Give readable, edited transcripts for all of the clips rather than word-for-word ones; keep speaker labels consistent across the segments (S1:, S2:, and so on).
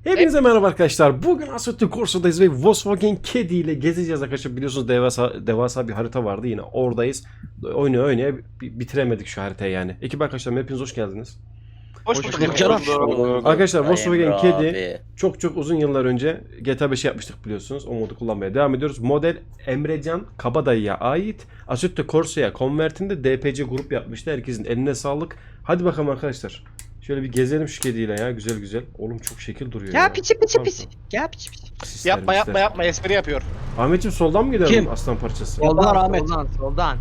S1: Hepinize merhaba arkadaşlar. Bugün Assetto Corsa'dayız ve Volkswagen Caddy ile gezeceğiz arkadaşlar. Biliyorsunuz devasa bir harita vardı, yine oradayız. Oynaya bitiremedik şu haritayı yani. Ekip arkadaşlar, hepiniz hoş geldiniz.
S2: Hoş bulduk
S3: canım.
S1: Arkadaşlar Volkswagen
S3: Emre
S1: Caddy
S3: abi.
S1: çok uzun yıllar önce GTA 5 yapmıştık biliyorsunuz. O modu kullanmaya devam ediyoruz. Model Emrecan Kabadayı'ya ait. Assetto Corsa'ya konvertinde DPC grup yapmıştı. Herkesin eline sağlık. Hadi bakalım arkadaşlar. Şöyle bir gezelim şu kediyle ya, güzel. Oğlum çok şekil duruyor ya.
S2: Ya piçi.
S1: Tamam.
S2: Ya piçi.
S1: Sisler,
S2: Yapma
S1: misler.
S2: espri yapıyor.
S1: Ahmetciğim soldan mı gidelim
S3: Kim?
S1: aslan parçası?
S3: Soldan Ahmet.
S4: Soldan.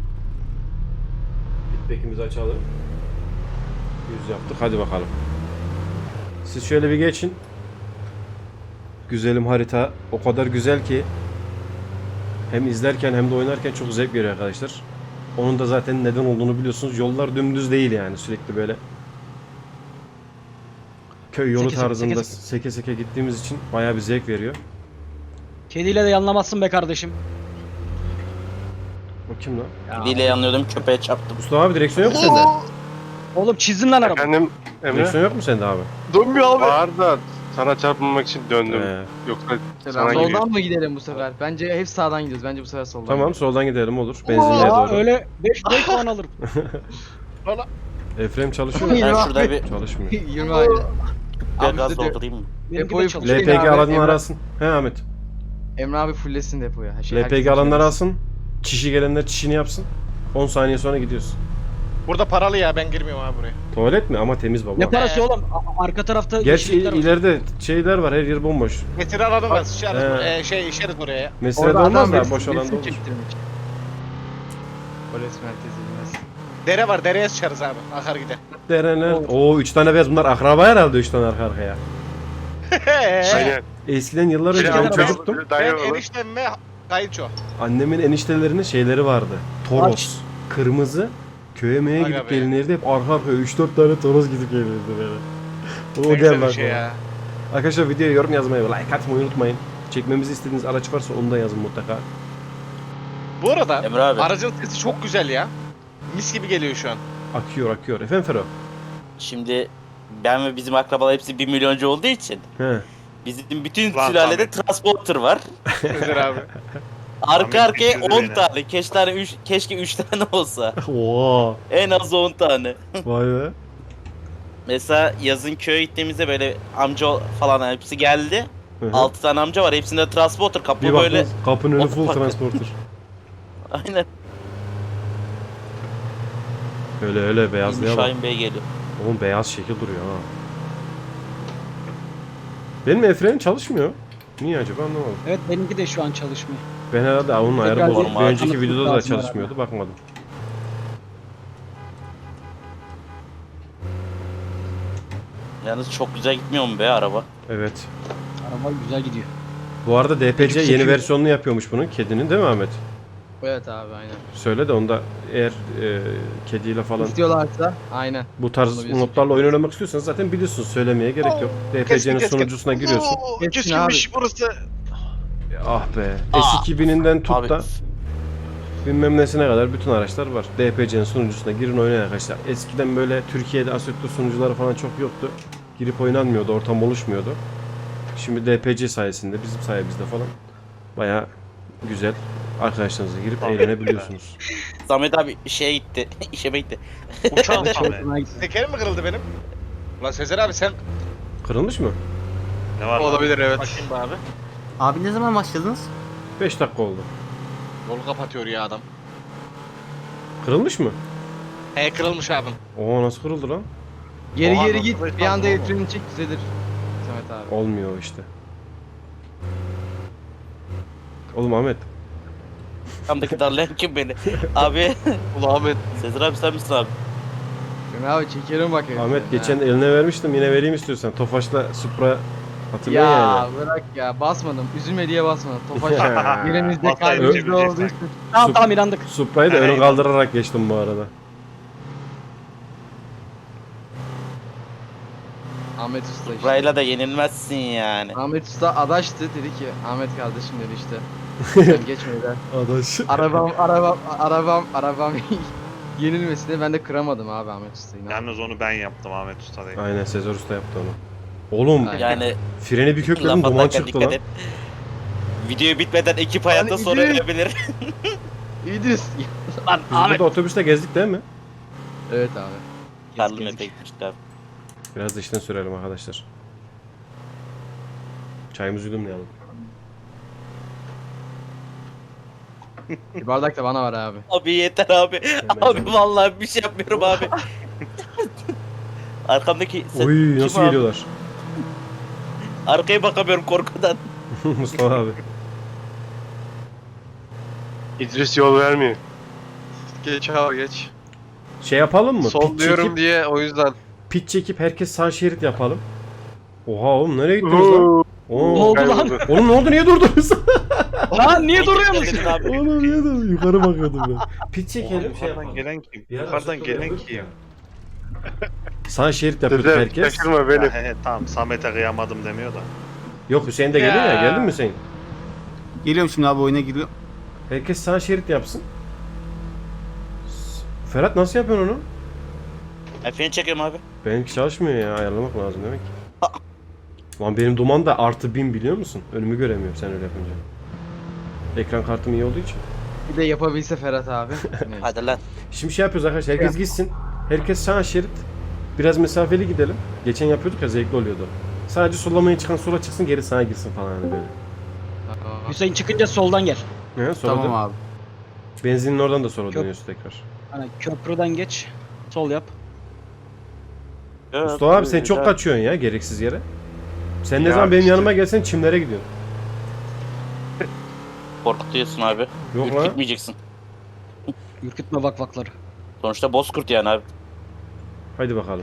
S1: Bitbekimizi açalım. 100 yaptık, hadi bakalım. Siz şöyle bir geçin. Güzelim harita. O kadar güzel ki hem izlerken hem de oynarken çok zevk veriyor arkadaşlar. Onun da zaten neden olduğunu biliyorsunuz. Yollar dümdüz değil yani, sürekli böyle köy yolu tarzında seke gittiğimiz için bayağı bir zevk veriyor.
S3: Kediyle de yanlamazsın be kardeşim.
S1: O kim lan?
S3: Kediyle yanlıyordum, köpeğe çarptım.
S1: Mustafa abi, direksiyon yok mu sende?
S3: Oğlum çizdin lan araba.
S5: Efendim Emre?
S1: Direksiyon yok mu sende abi?
S5: Dönmüyor abi. Var da sana çarpmamak için döndüm. Yoksa sana gidiyor.
S4: Soldan mı gidelim bu sefer? Bence hep sağdan gidiyoruz. Bence bu sefer soldan.
S1: Tamam, soldan gidelim, olur. Benzinliğe
S3: Aa,
S1: doğru.
S3: öyle 5 puan alırım.
S1: Efrem çalışıyor mu?
S3: Ben şurada bir
S1: Çalışmıyor.
S4: 20 aile. Abi
S3: gaz
S4: bize de-
S3: doldurayım mı? Benim
S4: Depoyu
S3: gibi çalışıyor.
S4: full-
S1: LPG
S4: abi,
S1: alanını
S4: Emre-
S1: arasın. He Ahmet.
S4: Emre abi fulllesin depoyu.
S1: LPG alanları alsın. Çişi gelenler çişini yapsın. 10 saniye sonra gidiyoruz.
S2: Burada paralı ya, ben girmiyorum abi buraya.
S1: Tuvalet mi? Ama temiz baba.
S3: Ne parası oğlum? Arka tarafta
S1: Gerçi
S3: yeşillikler var.
S1: ileride şeyler var, her yer bomboş.
S2: Getir alalım da sıçarız.
S1: He.
S2: İşeriz oraya ya.
S1: Meselede olmaz da boş alanda olur.
S4: Polis merkezi bilmez.
S2: Dere var, dereye sıçarız abi. Akar gider.
S1: Derener. Oo 3 tane beyaz, bunlar akraba herhalde 3 tane arka arkaya.
S5: Aynen.
S1: Eskiden yıllar önce
S3: Şey,
S1: ben çocuktum.
S2: Ben eniştem ve kayınço.
S1: Annemin eniştelerinin şeyleri vardı. Toros. Kırmızı. Köye meye
S2: Aga
S1: gidip
S2: be.
S1: gelinirdi, hep arka arkaya 3-4 tane Toros gidip gelirdi böyle. O
S2: Ne güzel
S1: gelmez
S2: bir şey ya.
S1: Arkadaşlar videoya yorum yazmayı ve like atmayı unutmayın. Çekmemizi istediğiniz araç varsa onu da yazın mutlaka.
S2: Bu arada
S3: Emre abi.
S2: aracın sesi çok güzel ya. Mis gibi geliyor şu an.
S1: Akıyor. Efendim Fero?
S6: Şimdi ben ve bizim akrabalar hepsi 1 milyoncu olduğu için
S1: He.
S6: bizim bütün
S5: Lan
S6: sülalede
S5: Ahmet.
S6: transporter var.
S2: Özer abi.
S6: Arka
S5: Ahmet
S6: arkaya
S5: bitirdi
S6: 10
S5: beni.
S6: tane. Keşke 3 tane olsa.
S1: Oo.
S6: En az 10 tane.
S1: Vay be.
S6: Mesela yazın köye gittiğimizde böyle amca falan hepsi geldi.
S1: Hı hı.
S6: 6 tane amca var. Hepsinde transporter kapı
S1: Bir
S6: böyle.
S1: baktınız kapının önü
S6: O
S1: full
S6: bak-
S1: transporter.
S6: Aynen.
S1: Öyle beyazlığa bak.
S6: Şahin Bey geliyor.
S1: Oğlum beyaz şekil duruyor ha. Benim efrenim çalışmıyor. Niye acaba, anlamadım.
S3: Evet benimki de şu an çalışmıyor.
S1: Ben herhalde onun ayarı
S3: Tekrar
S1: bozuk. Bir
S6: bir-
S1: önceki
S3: Anlatmak
S1: videoda da
S3: lazım
S1: çalışmıyordu, bakmadım.
S6: Yalnız çok güzel gitmiyor mu be araba?
S1: Evet.
S3: Araba güzel gidiyor.
S1: Bu arada DPC yeni
S3: Çekiyor.
S1: versiyonunu yapıyormuş bunun, kedinin, değil mi Ahmet?
S4: Evet abi aynen.
S1: Söyle de onda, eğer kediyle falan
S4: İstiyorlarsa aynen.
S1: bu tarz
S4: Onu biz-
S1: modlarla oyun oynamak istiyorsanız zaten biliyorsunuz, söylemeye gerek yok. DPC'nin
S2: Keskin.
S1: sunucusuna giriyorsun.
S2: Oo,
S4: Keskin
S2: Keskinmiş burası.
S1: Ah be. S2000'inden tut
S6: Abi
S1: da bilmem nesine kadar bütün araçlar var. DPC'nin sunucusuna girin, oynayın arkadaşlar. Eskiden böyle Türkiye'de Assetto sunucuları falan çok yoktu. Girip oynanmıyordu, ortam oluşmuyordu. Şimdi DPC sayesinde, bizim sayemizde falan bayağı güzel arkadaşlarınızla girip eğlenebiliyorsunuz.
S6: Samet abi şeye gitti. İşe gitti.
S5: Uçağım abi.
S3: Hoşuma gitti.
S2: Tekerim mi kırıldı benim? Ulan Sezer abi sen
S1: Kırılmış mı?
S5: Ne var?
S4: Olabilir evet.
S2: bakayım be abi.
S7: Abi ne zaman başladınız?
S1: 5 dakika oldu.
S2: Yolu kapatıyor ya adam.
S1: Kırılmış mı?
S2: He kırılmış abim.
S1: Oo, nasıl kırıldı lan?
S4: Geri
S5: Oha,
S4: geri
S5: nasıl
S4: git. Bir
S5: başlandın
S4: anda
S5: oğlum?
S4: elfreni çek düzelir. Samet abi.
S1: Olmuyor o işte. Oğlum Ahmet.
S6: Kamdaki darlayan kim beni? Abi.
S5: Ulan Ahmet.
S6: Sezer abi sen misin abi?
S4: Emre abi çekerim bak elfreni.
S1: Ahmet
S4: ha.
S1: geçen eline vermiştim, yine vereyim istiyorsan. Tofaş'la Supra hatırlıyor
S4: Ya
S1: yani.
S4: bırak ya basmadım. Üzülme diye basmadım. Tofaş yerimizde
S5: Basayım,
S4: kalbimizde
S5: çevireceksin.
S4: olduğu için.
S3: Tamam inandık.
S1: Supra'yı da ön kaldırarak geçtim bu arada.
S4: Ahmet Usta işte.
S6: Burayla da yenilmezsin yani.
S4: Ahmet Usta adaştı dedi ki Ahmet kardeşim dedi işte. Sen geçme dedi.
S1: Adaş.
S4: Arabam yenilmesine ben de kıramadım abi Ahmet Usta'yı.
S5: Yalnız onu ben yaptım Ahmet Usta değil.
S1: Aynen, Sezer Usta yaptı onu. Oğlum
S6: Yani
S1: freni bir kökledim
S6: laf
S1: duman
S6: atarken
S1: çıktı
S6: dikkat
S1: lan.
S6: et. Video bitmeden ekip hayatta
S4: Hani
S6: sonra
S4: İdris.
S6: ölebilir.
S4: İdris.
S3: Lan
S1: Biz
S3: Ahmet.
S1: burada otobüste gezdik değil mi?
S4: Evet abi.
S6: Karlı öte gitmişti abi.
S1: Biraz da işten sürelim arkadaşlar. Çayımızı yudumlayalım.
S4: Bir bardak da bana var abi.
S6: Abi yeter abi. Abi vallahi bir şey yapmıyorum abi. Arkamdaki
S1: Oy nasıl
S6: abi?
S1: geliyorlar?
S6: Arkaya bakamıyorum korkudan.
S1: Mustafa abi.
S5: İdris yol vermiyor.
S8: Geç abi geç.
S1: Şey yapalım mı?
S8: Sol
S1: Pit
S8: diyorum
S1: çekip,
S8: diye o yüzden.
S1: pit çekip herkes sağ şerit yapalım. Oha oğlum nereye gittiniz lan?
S3: Ne
S1: Oo.
S3: oldu lan?
S5: Kayboldu.
S1: Oğlum ne oldu niye durdunuz?
S3: Lan niye duruyorsun?
S6: Dedin abi.
S1: Oğlum niye durdun? Yukarı bakıyordum ben. Pit çekelim şey yapalım.
S9: Gelen kim?
S1: Bir ara
S9: Yukarıdan
S1: Assetto
S9: gelen
S1: yapıyorduk
S9: kim?
S1: ya. Sağ şerit yapıyorduk
S5: Sezer
S1: herkes.
S5: şaşırma beni.
S9: He, tamam Samet'e kıyamadım demiyor da.
S1: Yok Hüseyin de geliyor ya. Geldin mi Hüseyin?
S7: Geliyorum şimdi abi oyuna giriyorum.
S1: Herkes sağ şerit yapsın. Ferhat nasıl yapıyorsun onu?
S6: Freni çekiyorum abi.
S1: Benimki çalışmıyor ya. Ayarlamak lazım demek ki. Lan benim duman da artı 1000 biliyor musun? Önümü göremiyorum sen öyle yapınca. Ekran kartım iyi olduğu için.
S4: Bir de yapabilse Ferhat abi. Neyse.
S6: Hadi lan.
S1: Şimdi şey yapıyoruz arkadaşlar. Herkes gitsin. Herkes sağ şerit. Biraz mesafeli gidelim. Geçen yapıyorduk ya zevkli oluyordu. Sadece sollamaya çıkan sola çıksın geri sağa girsin falan hani böyle.
S4: Aa,
S3: Hüseyin çıkınca soldan gel.
S1: He, sonra
S7: Tamam
S1: da
S7: abi.
S1: benzinin oradan da sonra
S3: Köp-
S1: dönüyorsun tekrar.
S3: Hani köprüden geç. Sol yap.
S1: Mustafa abi sen çok kaçıyorsun ya gereksiz yere. Sen ne
S5: Ya
S1: zaman benim
S5: işte.
S1: yanıma gelsen çimlere gidiyorsun.
S6: Korkutuyorsun abi.
S1: Yok lan.
S6: Gitmeyeceksin.
S3: Ürkütme vakvakları.
S6: Sonuçta bozkurt yani abi.
S1: Haydi bakalım.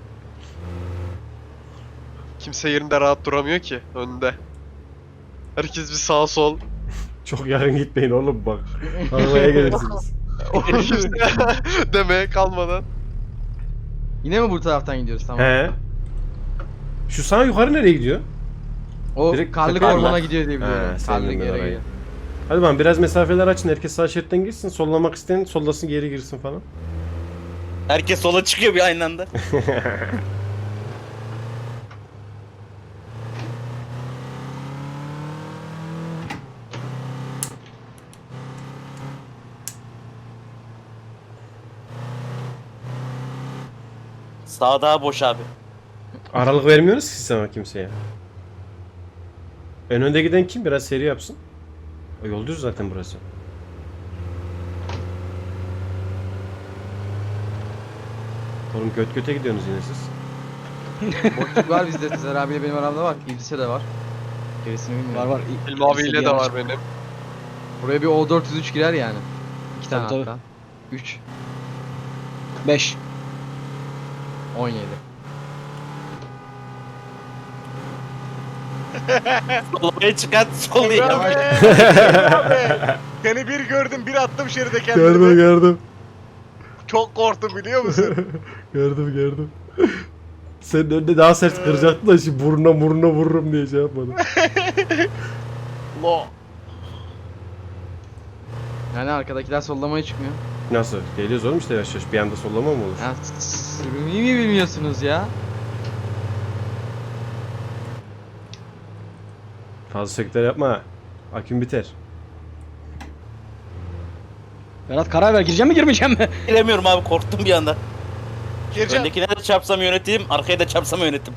S8: Kimse yerinde rahat duramıyor ki önde. Herkes bir sağ sol.
S1: Çok yarın gitmeyin oğlum bak. Arabaya gelirsiniz.
S8: Kimse demeye kalmadan.
S4: Yine mi bu taraftan gidiyoruz tamam?
S1: He. Şu sağ yukarı nereye gidiyor?
S4: O
S1: Direkt
S4: karlık
S1: takar
S4: ormana
S1: mı?
S4: gidiyor diye biliyorum.
S1: He,
S4: Karlık
S1: sevdim ben
S4: yere
S1: orayı.
S4: gidiyor.
S1: Hadi bakalım biraz mesafeler açın. Herkes sağ şeritten girsin. Sollamak isteyen sollasın geri girsin falan.
S6: Herkes sola çıkıyor bir aynı anda. Sağ daha boş abi.
S1: Aralık vermiyoruz ki sana kimseye. En önde giden kim? Biraz seri yapsın. O yol düz zaten burası. Oğlum göt göte gidiyorsunuz yine siz.
S4: Boşluk var bizde. Sezer abiyle benim aramda var. İdris'e de var. Gerisini bilmiyorum.
S3: Var var.
S8: İlmi abiyle de var benim.
S4: Buraya bir O403 girer yani. İki tane
S3: Tabii,
S4: hatta. 3,
S3: 5.
S4: 17.
S6: Sollamaya çıkan sol değil.
S2: Abi. Seni bir gördüm bir attım şeride kendimi.
S1: gördüm.
S2: Çok korktum biliyor musun?
S1: Gördüm. Senin önünde daha sert kıracaktın da şimdi burnuna vururum diye şey yapmadım.
S2: Lo.
S4: Yani arkadakiler sollamaya çıkmıyor.
S1: Nasıl? Geliyoruz oğlum işte yavaş yavaş. Bir anda sollama mı olur?
S4: Ya sürmeyi mi bilmiyorsunuz ya?
S1: Fazla sökler yapma. Aküm biter.
S3: Berat karar ver gireceğim mi girmeyeceğim mi?
S6: Giremiyorum abi korktum bir anda.
S2: Gireceğim.
S6: Öndekine de çarpsam yöneteyim, arkaya da çarpsam yönetim.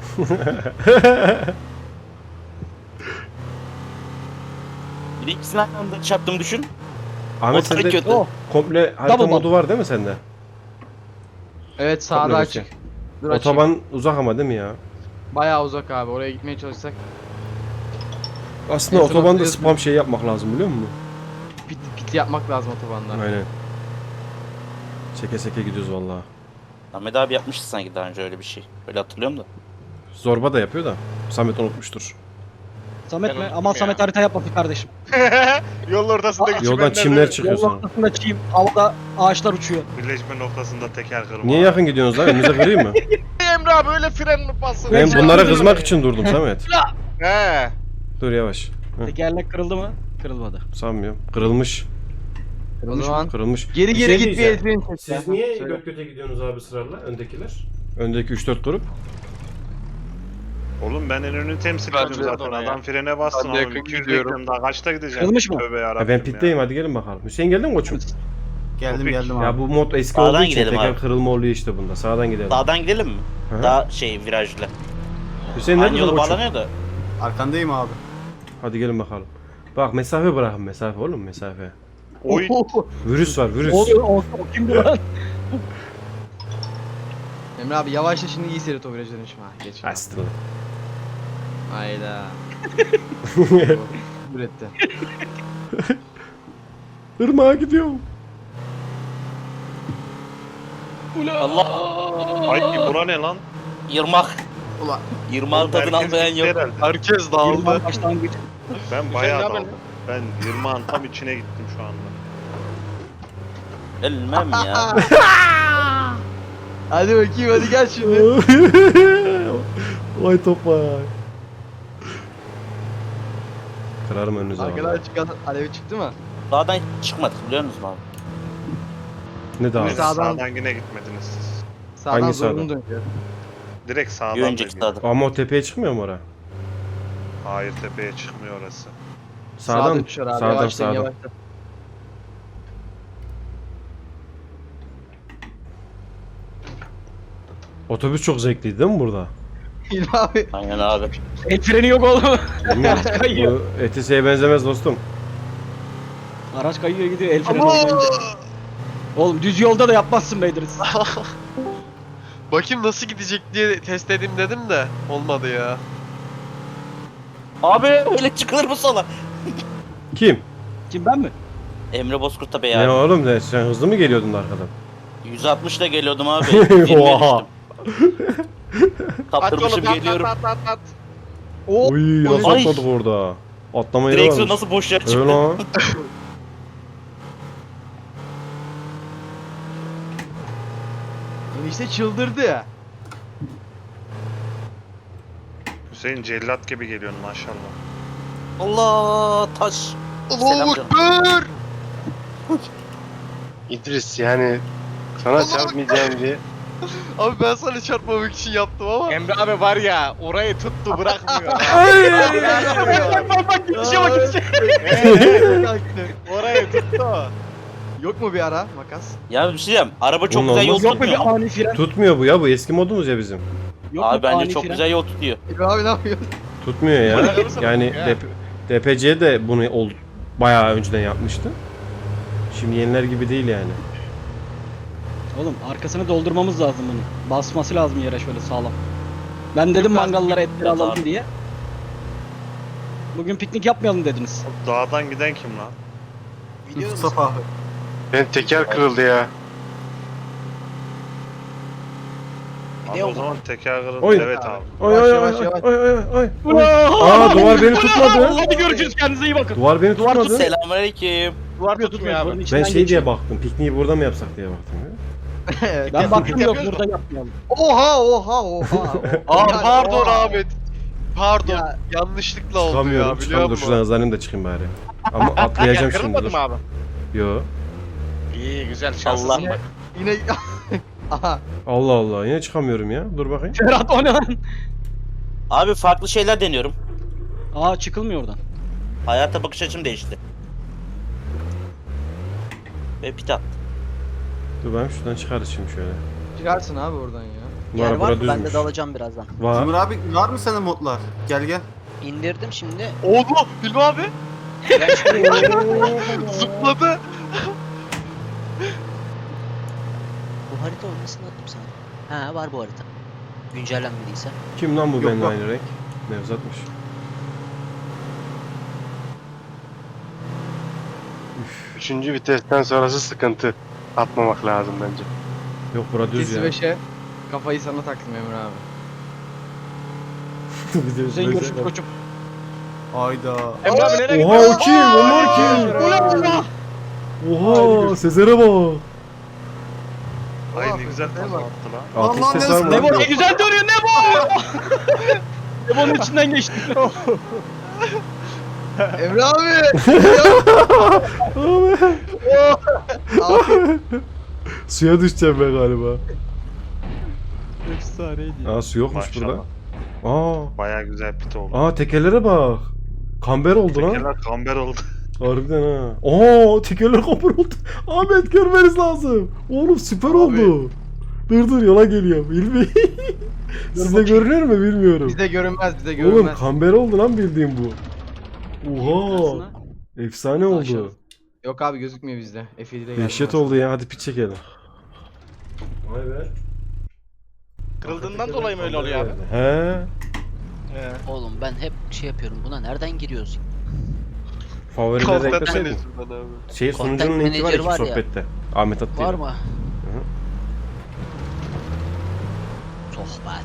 S6: Bir de ikisini aynı anda çarptım düşün.
S1: Ahmet
S6: O tabii
S1: sende
S6: kötü.
S1: komple harita
S3: Double
S1: modu var değil mi sende?
S4: Evet sağda
S1: Komple
S4: açık. Dur açık.
S1: Otoban uzak ama değil mi ya?
S4: Bayağı uzak abi. Oraya gitmeye çalışsak
S1: Aslında
S4: En son
S1: otobanda
S4: hatırlıyorsun.
S1: spam şey yapmak lazım biliyor musun?
S4: pit yapmak lazım otobanda.
S1: Aynen. Seke seke gidiyoruz vallahi.
S6: Ahmet abi yapmıştı sanki daha önce öyle bir şey. Öyle hatırlıyorum da.
S1: Zorba da yapıyor da. Samet unutmuştur.
S3: Samet
S2: Ben
S3: mi?
S2: unuttum
S3: Aman
S2: ya.
S3: Samet harita yapma bir kardeşim.
S2: Yolun ortasındaki
S1: Yoldan çimler çıkıyor
S3: Yol
S1: sonra.
S3: ortasında çiğim, havada ağaçlar uçuyor.
S9: Birleşme noktasında teker kırma.
S1: Niye yakın gidiyorsunuz lan? Önünüze kırayım mı?
S2: Emre abi öyle fren mi bastın?
S1: Ben bunlara kızmak için durdum Samet.
S2: He.
S1: Dur yavaş. Hı,
S3: Tekerlek kırıldı mı? Kırılmadı.
S1: sanmıyorum. Kırılmış.
S4: O zaman
S1: Kırılmış.
S4: geri
S1: Bir
S4: geri
S1: şey
S4: gitmeye
S1: diyeceğim.
S4: etmeyin.
S1: Siz niye göt göte gidiyorsunuz abi sırayla öndekiler? Öndeki 3-4 grup.
S9: Oğlum ben en önünü temsil
S8: Ben
S9: ediyorum
S8: de
S9: zaten.
S8: ona ya.
S9: Adam frene bastın
S8: Ben de
S9: abi.
S8: yakın
S9: 200
S8: gidiyorum.
S9: bekliyorum daha kaçta gideceğim?
S3: Kırılmış mı?
S9: Tövbe yarabbim
S1: Ben
S9: ya.
S1: pitteyim, hadi gelin bakalım. Hüseyin geldin mi koçum?
S7: Geldim
S9: Topik.
S7: geldim abi.
S1: Ya bu mod eski
S6: Sağdan
S1: olduğu için
S6: gidelim
S1: teker
S6: abi.
S1: kırılma oluyor işte bunda. Sağdan gidelim.
S6: Sağdan gidelim mi?
S1: Hı hı.
S6: Daha şey virajlı.
S1: Hüseyin
S6: Aynı
S1: nerede
S6: yolu
S1: koçum?
S6: bağlanıyor da.
S7: Arkandayım abi.
S1: Hadi gelin bakalım. Bak mesafe bırakın, mesafe oğlum, mesafe.
S9: Oy.
S1: Virüs var, virüs.
S3: Oluyor o kimdi lan?
S4: Emre abi yavaşla şimdi iyi seyret o virajı dönüşüm ha. Geç.
S1: Astral.
S4: Hayda. Üretti.
S1: Irmağa gidiyorum.
S6: Allah.
S9: Ay bura ne lan?
S6: Yırmak.
S7: Ulan.
S6: Yırmağın tadını
S9: Herkes
S6: almayan
S9: gitti
S6: yok.
S9: herhalde.
S8: Herkes dağıldı.
S3: Yıldan başlangıç.
S9: Ben bayağı
S2: ne haber
S9: daldım. Ben 20'an tam içine gittim şu anda.
S6: Ölmem ya.
S4: Hadi bakayım hadi gel şimdi.
S1: Vay topay. Kırarım önünüze abi.
S4: Arkadan çıkan alevi çıktı mı?
S6: Dağdan çıkmadık biliyor musunuz abi?
S1: Ne daha?
S4: Bir
S9: Siz
S4: sağdan-
S9: sağdan yine gitmediniz siz.
S4: Sağdan
S1: Hangi
S4: zorunlu
S1: sağdan?
S4: dönüyor.
S9: Direkt sağdan
S6: Bir
S9: da
S6: önceki
S9: gidiyor.
S6: sağdan.
S1: Ama o tepeye çıkmıyor mu oraya?
S9: Hayır tepeye çıkmıyor orası.
S1: Sağdan,
S4: dönüşüyor abi.
S1: sağdan,
S4: Yavaşlayın,
S1: sağdan.
S4: yavaşlayın.
S1: Otobüs çok zevkliydi değil mi burada?
S4: İlmi abi.
S6: Aynen abi.
S3: El freni yok oğlum.
S1: Bilmiyorum.
S3: Kayıyor.
S1: Bu ETS'ye benzemez dostum.
S3: Araç kayıyor gidiyor el freni olmayınca. Oğlum düz yolda da yapmazsın Beydiriz.
S8: Bakayım nasıl gidecek diye test edeyim dedim de olmadı ya.
S6: Abi öyle çıkılır mı sola?
S1: Kim?
S3: Kim ben mi?
S6: Emre Bozkurt'a be
S1: Ne
S6: ya.
S1: oğlum ne? Sen hızlı mı geliyordun arkadan?
S6: 160 ile geliyordum abi. 20'ye
S1: Oha.
S6: düştüm.
S2: At
S6: Kaptırmışım
S2: oğlum
S6: geliyorum.
S2: at.
S4: O
S1: Oy nasıl
S6: Ay.
S1: atladık orada? Atlama yeri
S6: Direksiyon
S1: varmış.
S6: nasıl boş yer
S1: Öyle
S6: çıktı?
S1: lan.
S4: enişte çıldırdı ya.
S9: Hüseyin cellat gibi geliyorsun maşallah.
S6: Allah taş. Selam canım.
S8: Ekber!
S5: İdris yani sana çarpmayacağım diye.
S8: Abi ben sana çarpmamak için yaptım ama.
S2: Emre abi var ya orayı tuttu bırakmıyor.
S3: Bak gidişe bak gidişe.
S2: Orayı tuttu.
S4: Yok mu bir ara makas?
S6: Ya bir şey diyeceğim. Araba çok
S1: Bunun
S6: güzel yol
S1: olmaz.
S3: Yok mu
S6: tutmuyor.
S3: bir ani fren?
S1: Tutmuyor bu ya, bu eski modumuz ya bizim.
S3: Yok mu
S6: Abi bence
S3: ani
S6: çok
S3: fren?
S6: güzel yol tutuyor.
S4: İlmi abi ne yapıyorsun?
S1: Tutmuyor ya.
S2: Bırakırsan
S1: Yani
S2: ya.
S1: DPC de bunu bayağı önceden yapmıştı. Şimdi yeniler gibi değil yani.
S3: Oğlum arkasını doldurmamız lazım bunu. Basması lazım yere şöyle sağlam. Ben dedim mangallara etleri
S6: Biraz
S3: alalım
S6: abi.
S3: diye. Bugün piknik yapmayalım dediniz.
S9: Dağdan giden kim lan?
S7: Mustafa abi.
S5: Ben teker kırıldı ya.
S9: Abi o zaman teker kırıldı.
S1: Oy.
S9: Evet abi.
S1: Oy
S4: Yavaş,
S1: oy
S4: yavaş,
S1: oy
S4: yavaş.
S1: oy oy oy.
S3: Aa,
S1: Aa duvar beni tutmadı.
S3: Hadi görüşürüz kendinize iyi bakın.
S1: Duvar beni tutmadı.
S6: Selamünaleyküm.
S2: Duvar tutmuyor abi.
S3: Buranın
S1: Ben
S3: içinden
S1: şey diye
S3: geçiyor.
S1: baktım. Pikniği burada mı yapsak diye baktım ya.
S3: Ben baktım yok
S2: Yapıyoruz
S3: burada yapmayalım.
S8: Aa
S4: Yani,
S8: pardon
S4: oha.
S8: Ahmet. Pardon.
S4: Ya.
S8: Yanlışlıkla oldu
S1: Çıkamıyorum.
S8: ya biliyor
S1: Çıkamıyorum. Dur şuradan
S8: musun?
S1: hızlanayım da çıkayım bari. Ama atlayacağım şimdi.
S2: Kırılmadı
S1: Dur.
S2: mı abi?
S1: Yo.
S2: İyi güzel
S6: Allah.
S2: şanslısın bak.
S4: Yine aha.
S1: Allah Allah. Yine çıkamıyorum ya. Dur bakayım.
S3: Ferhat o ne lan?
S6: Abi farklı şeyler deniyorum.
S3: Aa çıkılmıyor oradan.
S6: Hayata bakış açım değişti. Ve pit attı.
S1: Dur ben şuradan çıkarız şimdi şöyle.
S4: Çıkarsın abi oradan ya.
S1: Bu araba bura düzmüş.
S10: Ben de dalacağım birazdan.
S1: Var.
S7: Cumhur abi var mı sana modlar? Gel gel.
S10: İndirdim şimdi.
S8: Oldu. İlmi abi.
S10: Ben şuraya
S8: Zıpladı.
S10: Bu harita olmasını attım sana. Ha var bu harita. Güncellenmediyse.
S1: Kim lan bu
S7: Yok,
S1: benimle
S7: yok.
S1: aynı renk? Nevzat'mış.
S5: Üçüncü vitesten sonrası sıkıntı. Atmamak lazım bence.
S1: Yok bura düz
S4: Kesi
S1: ya.
S4: 5'e kafayı sana taktım Emre abi.
S3: Hüseyin görüşürüz koçum.
S7: Hayda.
S2: Emre abi nereye
S1: Oha
S2: gidiyorsun?
S1: o kim? Onlar kim? Oha Sezer'e bak.
S9: Ay ne güzel kafa attı lan.
S1: Altı
S7: Allah'ın
S1: ses var mı?
S7: neresi?
S3: Ne bu? Ne güzel dönüyor ne bu? Nebonun içinden geçti.
S4: Emre abi. abi.
S1: Suya düşeceğim ben galiba.
S3: Efsaneydi.
S1: Aa su yokmuş
S9: Maşallah.
S1: burada. Aa.
S9: Baya güzel pit oldu.
S1: Aa tekerlere bak. Kamber oldu lan.
S9: Tekerler kamber oldu.
S1: Harbiden ha. Aa tekerler kamber oldu. Ahmet görmeniz lazım. Oğlum süper oldu. Dur yola geliyor. Hilmi. Size görünüyor mu bilmiyorum.
S4: Bizde görünmez, bizde
S1: Oğlum
S4: görünmez.
S1: kamber oldu lan bildiğim bu. Oha. Efsane
S3: Aşağı.
S1: oldu.
S4: Yok abi gözükmüyor bizde. F7'de geldi.
S1: Dehşet oldu ya. Hadi pit çekelim. Vay be.
S2: Kırıldığından dolayı mı öyle oluyor abi?
S1: He.
S10: Oğlum ben hep şey yapıyorum. Buna nereden giriyoruz?
S1: Favorileri
S8: Content
S1: ekleseydin.
S8: manager'dan abi.
S1: Şey
S10: Content
S1: sunucunun linki var
S10: manager
S1: ya
S10: var ya.
S1: sohbette. Ahmet attı.
S10: Var mı? Sohbet.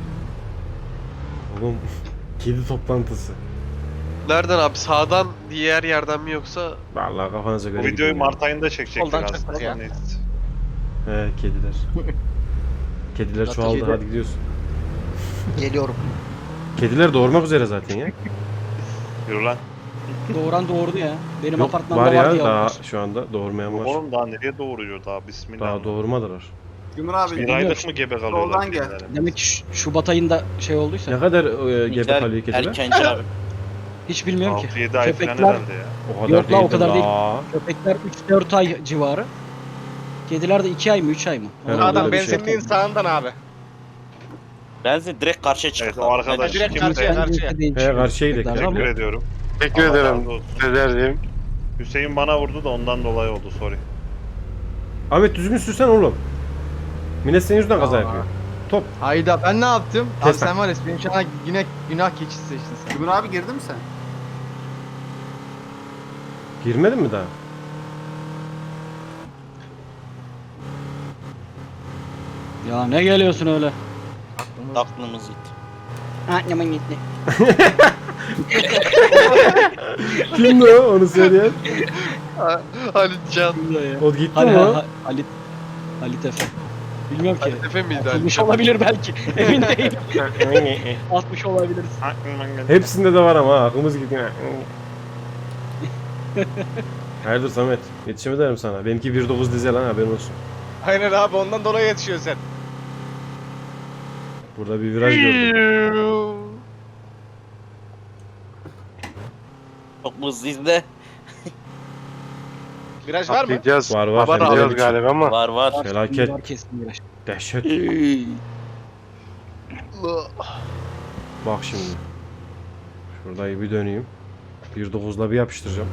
S1: Oğlum kedi toplantısı.
S8: Nereden abi? Sağdan diğer yerden mi yoksa?
S1: Vallahi kafanıza göre
S9: Bu videoyu
S1: gidin ya.
S9: Mart ayında çekecekler
S2: Soldan
S9: aslında.
S2: çıktık ya.
S9: Neyse.
S1: He kediler. Kediler
S10: Zaten
S1: çoğaldı
S4: kedi-
S1: hadi gidiyorsun.
S10: Geliyorum.
S1: Kediler doğurmak üzere zaten ya.
S9: Yürü lan.
S3: Doğuran doğurdu ya. Benim
S1: Yok
S3: apartmanda
S1: var ya
S3: vardı
S1: daha
S3: ya.
S1: şu anda doğurmayan var.
S9: Oğlum daha nereye doğuruyor daha bismillah.
S1: Daha doğurmadılar.
S7: Cumhur abi
S9: Bir aylık mı gebe kalıyorlar?
S7: Soldan gel.
S9: kediler?
S3: Demek ki Şubat ayında şey olduysa.
S1: Ne kadar gebe
S6: Miktar
S1: kalıyor kediler?
S6: erkenci abi.
S3: Hiç bilmiyorum ki.
S9: 6-7 ay falan
S3: Köpekler-
S9: herhalde ya.
S1: O kadar
S3: Yok la, o
S1: değildir
S3: kadar değil.
S1: la.
S3: Köpekler 3-4 ay civarı. Kediler de 2 ay mı 3 ay mı?
S1: Herhalde
S2: Adam
S1: öyle bir şey.
S2: benzinliğin sağından abi.
S6: Benzin direkt karşıya çıktı.
S9: Evet o arkadaş
S2: direkt
S9: kimse.
S2: karşıya, karşıya.
S1: He karşıya gidelim.
S9: Teşekkür ediyorum.
S5: Teşekkür
S9: Allah
S5: ederim.
S9: razı olsun.
S5: Sezer'cim.
S9: Hüseyin bana vurdu da ondan dolayı oldu sorry.
S1: Ahmet düzgün sürsen oğlum. Millet senin yüzünden kaza
S4: Aa.
S1: yapıyor.
S4: Hayda ben ne yaptım? Abi
S1: Kes lan.
S4: sen var ya benim şu an yine günah keçisi seçtin sen.
S7: Cumhur abi girdin mi sen?
S1: Girmedin mi daha?
S3: Ya ne geliyorsun öyle?
S6: Aklımız gitti.
S3: Aklıma gitti.
S1: Kimdi o onu söyleyen?
S8: Halit Can.
S1: O gitti
S3: Hadi
S1: mi o?
S3: Halit Efe. Bilmiyorum ki.
S8: Halit Efe miydi Halit?
S3: Atılmış olabilir belki. Emin değilim. Atmış olabiliriz.
S1: Hepsinde de var ama ha, aklımız gidiyor. Hayırdır Samet? Yetişemedi derim sana. Benimki 1.9 dizel lan haberin olsun.
S2: Aynen abi ondan dolayı yetişiyorsun sen.
S1: Burada bir viraj gördüm.
S6: Çok mu hızlıyız de?
S2: Viraj var mı?
S5: Atlayacağız.
S1: Var
S8: Var abi.
S5: Atlayacağız galiba ama.
S6: Var var.
S1: Felaket.
S3: Var kesin biraz.
S1: Dehşet. Bak şimdi. Şurada bir döneyim. 1.9'la bir yapıştıracağım.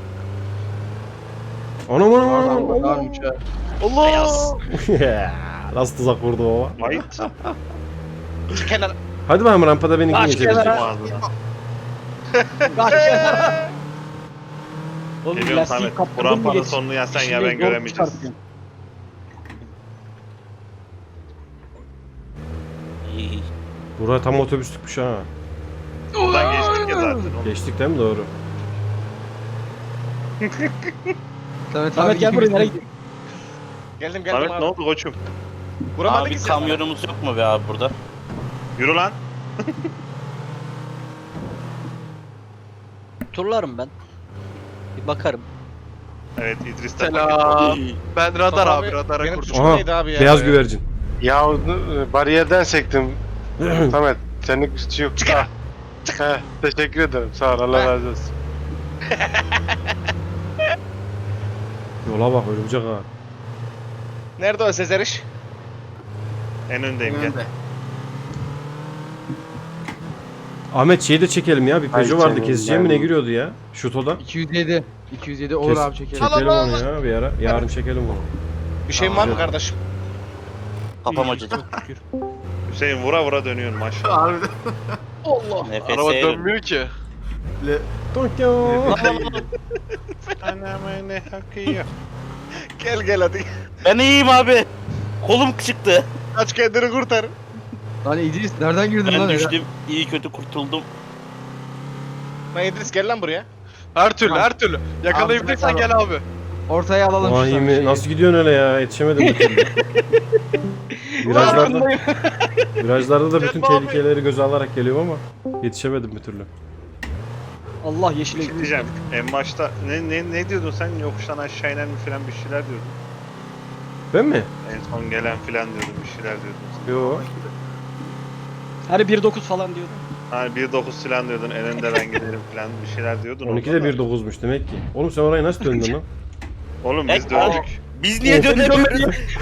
S1: Anam anam anam.
S4: Varmış ha.
S2: Allah!
S1: Nasıl tuzak vurdu o?
S9: Ayıt.
S2: Şu kenar.
S1: Hadi bakalım rampada beni kim
S3: Kaç
S1: geçecek?
S3: kenara?
S9: Ağzına.
S3: Oğlum
S9: Geliyorum
S3: lastiği
S9: Samet. Bu
S3: kaptırdın mı
S9: rampanın
S3: geç?
S9: sonunu ya sen ya
S3: İçinde
S9: ben
S3: yol
S9: göremeyeceğiz.
S3: çıkartıyorsun.
S6: İyi.
S1: Burası tam otobüslükmüş ha.
S9: Buradan geçtik ya zaten.
S1: Geçtik değil mi? Doğru.
S3: Samet gel buraya nereye gidiyorsun?
S2: Geldim
S9: Samet
S2: geldim
S9: ne
S2: abi.
S9: oldu koçum?
S2: Vuramadı
S6: Abi
S2: ki sen.
S6: kamyonumuz yok mu be abi burada?
S9: Yürü lan.
S10: Turlarım ben. Bir bakarım.
S9: Evet İdris'ten
S8: Selam. Ben radar abi
S2: Abi,
S8: radara
S2: benim
S8: kurdum.
S2: suçum
S1: Aha,
S2: neydi abi ya?
S1: beyaz güvercin.
S5: Ya bariyerden sektim. Samet senin suçu yok.
S2: Çıkar.
S5: He, teşekkür ederim. Sağ ol. Allah
S2: He.
S5: razı olsun.
S1: Yola bak örümcek ha.
S2: Nerede o Sezeriş?
S9: En öndeyim gel.
S7: Önünde.
S1: Ahmet şeyi de çekelim ya. Bir
S5: Ay
S1: Peugeot vardı
S5: canım,
S1: keseceğim mi
S5: ben-
S1: ne giriyordu ya? Şuto'da.
S4: 207. 207 olur
S1: Kes-
S4: abi çekelim.
S1: Çekelim onu ya bir ara. Yarın çekelim onu.
S2: Bir şeyin var mı kardeşim?
S6: Kafam acıdı.
S9: Hüseyin vura vura dönüyorsun maşallah.
S7: Harbiden.
S6: Nefes
S8: Araba
S6: yerim.
S8: dönmüyor ki.
S1: Tokyo.
S9: Anamı ne hakkı
S2: Gel gel hadi.
S6: Ben iyiyim abi. Kolum çıktı.
S2: Aç kendini kurtar.
S4: Lan İdris nereden girdin
S6: Ben
S4: lan?
S6: düştüm. İyi kötü kurtuldum.
S2: Lan İdris gel lan buraya.
S8: Her türlü her türlü. Yakalayabilirsen
S4: Abi,
S8: gel abi.
S4: Ortaya alalım
S1: Vay
S4: şu
S1: mi? Nasıl gidiyorsun öyle ya? Yetişemedim bir türlü. virajlarda, virajlarda da bütün
S8: Gel abi.
S1: tehlikeleri göze alarak geliyorum ama yetişemedim bir türlü.
S3: Allah yeşile
S9: Bir şey diyeceğim. En başta ne diyordun sen yokuştan aşağı inen mi filan bir şeyler diyordun.
S1: Ben mi?
S9: En son gelen filan diyordun bir şeyler diyordun.
S1: Yo.
S3: Hani 1.9 falan diyordun.
S9: Hani 1.9 falan diyordun, eninde ben giderim falan bir şeyler diyordun.
S1: 12'de
S9: orada da.
S1: 1.9'muş demek ki. Oğlum sen oraya nasıl döndün lan?
S9: Oğlum biz döndük.
S6: Biz niye dönemiyoruz?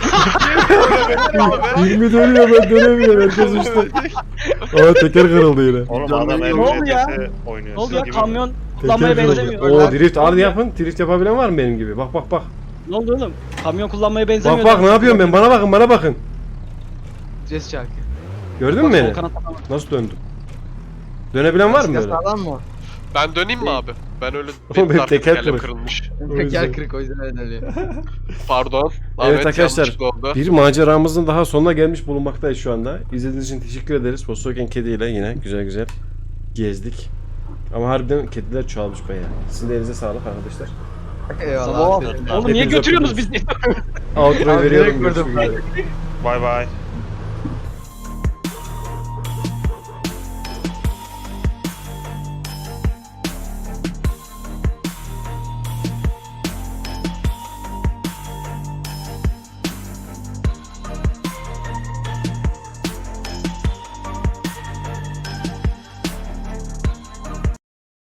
S1: 20 dönüyor ben dönemiyorum herkes işte. Aa teker kırıldı yine.
S9: Oğlum adam
S3: Ne oldu ya?
S9: MCT'si oynuyor.
S3: Ne oldu
S9: Siz
S3: ya
S9: gibi.
S3: kamyon kullanmaya
S1: Teker
S3: benzemiyor.
S1: kırıldı. Oo drift hadi yapın. Drift yapabilen var mı benim gibi? Bak bak bak.
S3: Ne oldu oğlum? Kamyon kullanmaya benzemiyor.
S1: Bak bak ne yapıyorum ben? Bana bakın bana bakın.
S4: Ces şarkı.
S1: Gördün mü beni? Nasıl döndüm? Dönebilen var mı böyle?
S4: Sağlam mı?
S8: Ben döneyim mi abi? Ben öyle
S1: Oğlum benim
S8: arka
S1: teker
S8: tekerlem
S1: kırık.
S8: kırılmış.
S1: O yüzden.
S4: Teker kırık o yüzden öyle dönüyor.
S8: Pardon.
S1: Evet arkadaşlar,
S8: yanlışlıkla oldu.
S1: bir maceramızın daha sonuna gelmiş bulunmaktayız şu anda. İzlediğiniz için teşekkür ederiz. Volkswagen kediyle yine güzel güzel gezdik. Ama harbiden kediler çoğalmış bayağı. Sizin de elinize sağlık arkadaşlar.
S4: Eyvallah. aferin.
S3: Oğlum niye
S1: Hepinize
S3: götürüyorsunuz bizi?
S1: Outro'yu
S4: Abi,
S1: veriyorum.
S4: direkt vurdum
S1: görüşmek üzere.
S9: Bay bay.